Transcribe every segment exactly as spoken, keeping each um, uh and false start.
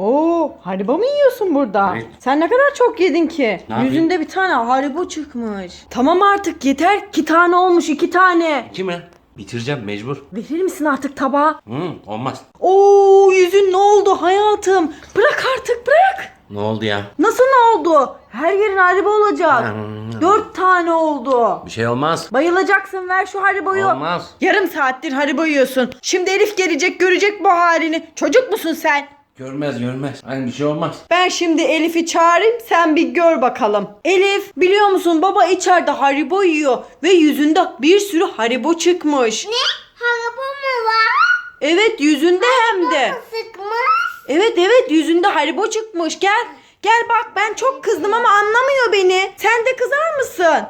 Oo, Haribo mu yiyorsun burada? Evet. Sen ne kadar çok yedin ki? Ne yapayım? Yüzünde bir tane Haribo çıkmış. Tamam artık yeter. İki tane olmuş, iki tane. İki mi? Bitireceğim mecbur. Verir misin artık tabağı? Hı, olmaz. Oo, yüzün ne oldu hayatım? Bırak artık, bırak. Ne oldu ya? Nasıl ne oldu? Her yerin Haribo olacak. Hmm. Dört tane oldu. Bir şey olmaz. Bayılacaksın, ver şu Haribo'yu. Olmaz. Yarım saattir Haribo yiyorsun. Şimdi Elif gelecek, görecek bu halini. Çocuk musun sen? Görmez görmez. Hani bir şey olmaz. Ben şimdi Elif'i çağırayım, sen bir gör bakalım. Elif, biliyor musun baba içeride Haribo yiyor ve yüzünde bir sürü Haribo çıkmış. Ne? Haribo mu var? Evet, yüzünde hem de. Sıkmış. Evet evet, yüzünde Haribo çıkmış. Gel. Gel bak, ben çok kızdım ama anlamıyor beni. Sen de kızar mısın?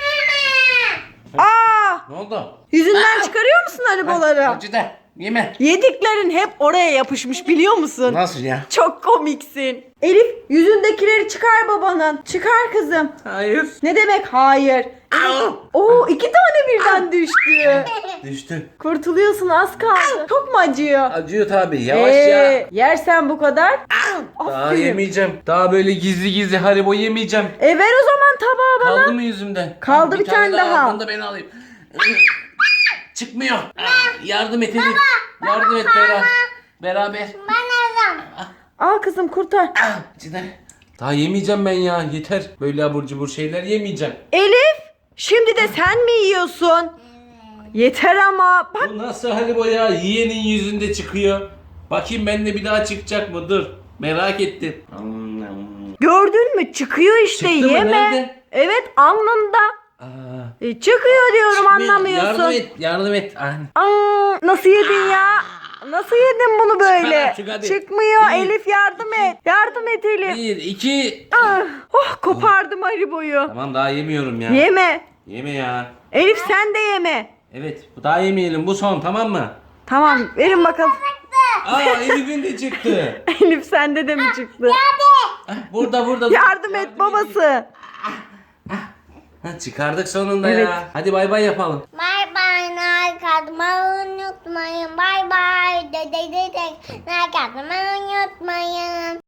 Aa! Ne oldu? Yüzünden çıkarıyor musun Hariboları? Acı da yeme. Yediklerin hep oraya yapışmış, biliyor musun? Nasıl ya? Çok komiksin. Elif, yüzündekileri çıkar babanın. Çıkar kızım. Hayır. Ne demek hayır? Oo, iki tane birden düştü. Düştü. Kurtuluyorsun, az kaldı. Çok mu acıyor? Acıyor tabii. Yavaş Ee, ya. yersen bu kadar. Daha Aferin. yemeyeceğim. Daha böyle gizli gizli Haribo yemeyeceğim. E ver o zaman tabağı bana. Kaldı mı yüzümde? Kaldı bir tane daha. Bunu da ben alayım. Çıkmıyor. Yardım et Elif. Yardım et beraber. Beraber. Ben alırım. Al kızım, kurtar. Cidden. Daha yemeyeceğim ben ya. Yeter. Böyle abur cubur şeyler yemeyeceğim. Elif, şimdi de sen mi yiyorsun? Yeter ama. Bak, Bu nasıl Haribo ya? Yiyenin yüzünde çıkıyor. Bakayım bende bir daha çıkacak mı? Dur. Merak ettim. gördün mü? Çıkıyor işte, Çıktı mı? yeme. Nerede? Evet, alnında. Aa, E, çıkıyor diyorum, çıkmıyor. anlamıyorsun. Yardım et. Yardım et. Ah. Aa, nasıl yedin ya? Nasıl yedin bunu böyle? Çıkar artık, hadi. Çıkmıyor. Bir, Elif, yardım et. Yardım et Elif. Bir, iki. Ah, oh, kopardım Haribo'yu. Tamam daha yemiyorum ya. Yeme. Yeme ya. Elif, sen de yeme. Evet. Bu daha yemeyelim. Bu son, tamam mı? Tamam, verin bakalım. Aa Elif'in de çıktı. Elif, sende de mi çıktı? Ah, burada burada. Yardım et babası. Ha, çıkardık sonunda Evet. ya. Hadi bay bay yapalım. Bay bay. Like atmayı unutmayın. Bay bay. Dede dede. Like atmayı unutmayın.